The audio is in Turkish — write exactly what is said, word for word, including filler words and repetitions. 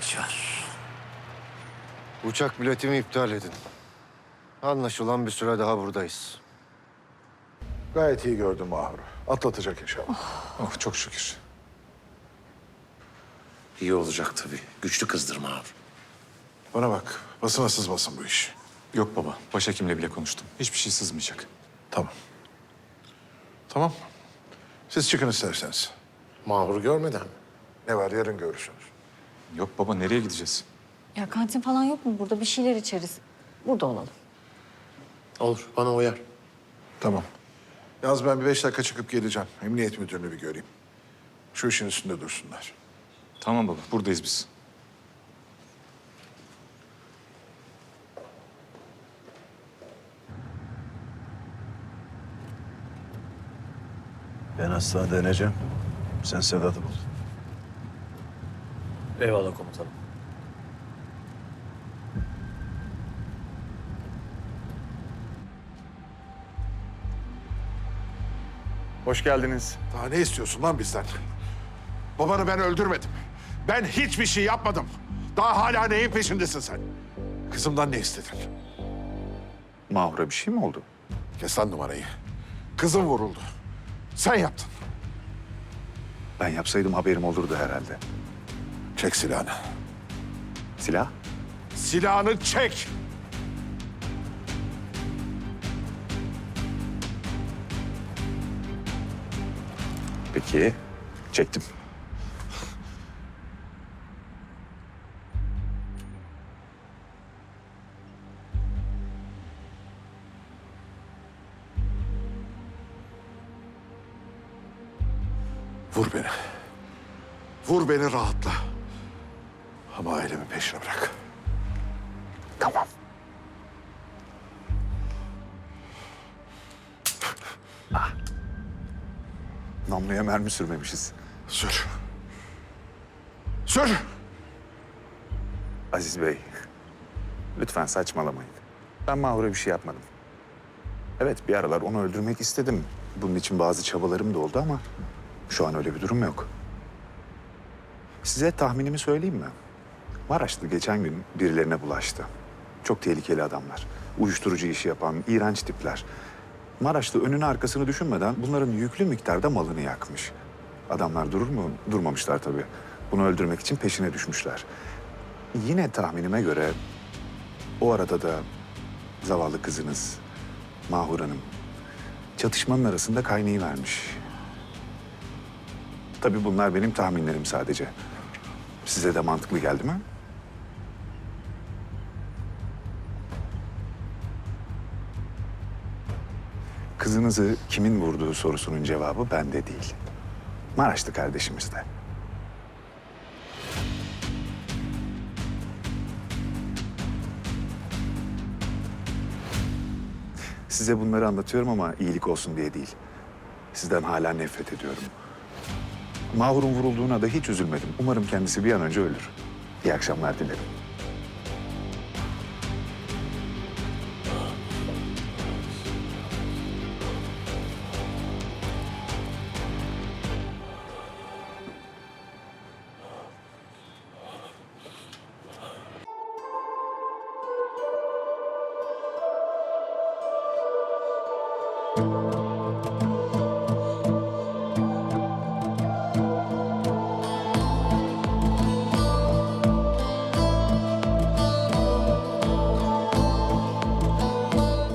ihtiyaç var. Uçak biletimi iptal edin. Anlaşılan bir süre daha buradayız. Gayet iyi gördüm Mahur. Atlatacak inşallah. Oh çok şükür. İyi olacak tabii. Güçlü kızdırma abi. Bana bak, basına sızmasın bu iş. Yok baba, başhekimle bile konuştum. Hiçbir şey sızmayacak. Tamam. Tamam. Siz çıkın isterseniz. Mahur görmeden mi? Ne var, yarın görürsünüz. Yok baba, nereye gideceğiz? Ya kantin falan yok mu? Burada bir şeyler içeriz. Burada olalım. Olur, bana uyar. Tamam. Yalnız ben bir beş dakika çıkıp geleceğim. Emniyet müdürünü bir göreyim. Şu işin üstünde dursunlar. Tamam baba, buradayız biz. Ben hastanede ineceğim. Sen Sedat'ı bul. Eyvallah komutanım. Hoş geldiniz. Daha ne istiyorsun lan bizden? Babanı ben öldürmedim. Ben hiçbir şey yapmadım. Daha hala neyin peşindesin sen? Kızımdan ne istedin? Mahur'a bir şey mi oldu? Kes lan numarayı. Kızım vuruldu. Sen yaptın. Ben yapsaydım haberim olurdu herhalde. Çek silahını. Silah? Silahını çek! Peki, çektim. Vur beni. Vur beni rahatla. Ama ailemin peşini bırak. Tamam. Ah. Namluya mermi sürmemişiz. Sür. Sür! Aziz Bey, lütfen saçmalamayın. Ben Mahur'a bir şey yapmadım. Evet, bir aralar onu öldürmek istedim. Bunun için bazı çabalarım da oldu ama şu an öyle bir durum yok. Size tahminimi söyleyeyim mi? Maraşlı geçen gün birilerine bulaştı. Çok tehlikeli adamlar. Uyuşturucu işi yapan, iğrenç tipler. Maraşlı önünü arkasını düşünmeden bunların yüklü miktarda malını yakmış. Adamlar durur mu? Durmamışlar tabii. Bunu öldürmek için peşine düşmüşler. Yine tahminime göre o arada da zavallı kızınız Mahur Hanım çatışmanın arasında kaynayıvermiş. Tabii bunlar benim tahminlerim sadece. Size de mantıklı geldi mi? Kızınızı kimin vurduğu sorusunun cevabı bende değil. Maraşlı kardeşimizde. Size bunları anlatıyorum ama iyilik olsun diye değil. Sizden hala nefret ediyorum. Mahur'un vurulduğuna da hiç üzülmedim. Umarım kendisi bir an önce ölür. İyi akşamlar dilerim.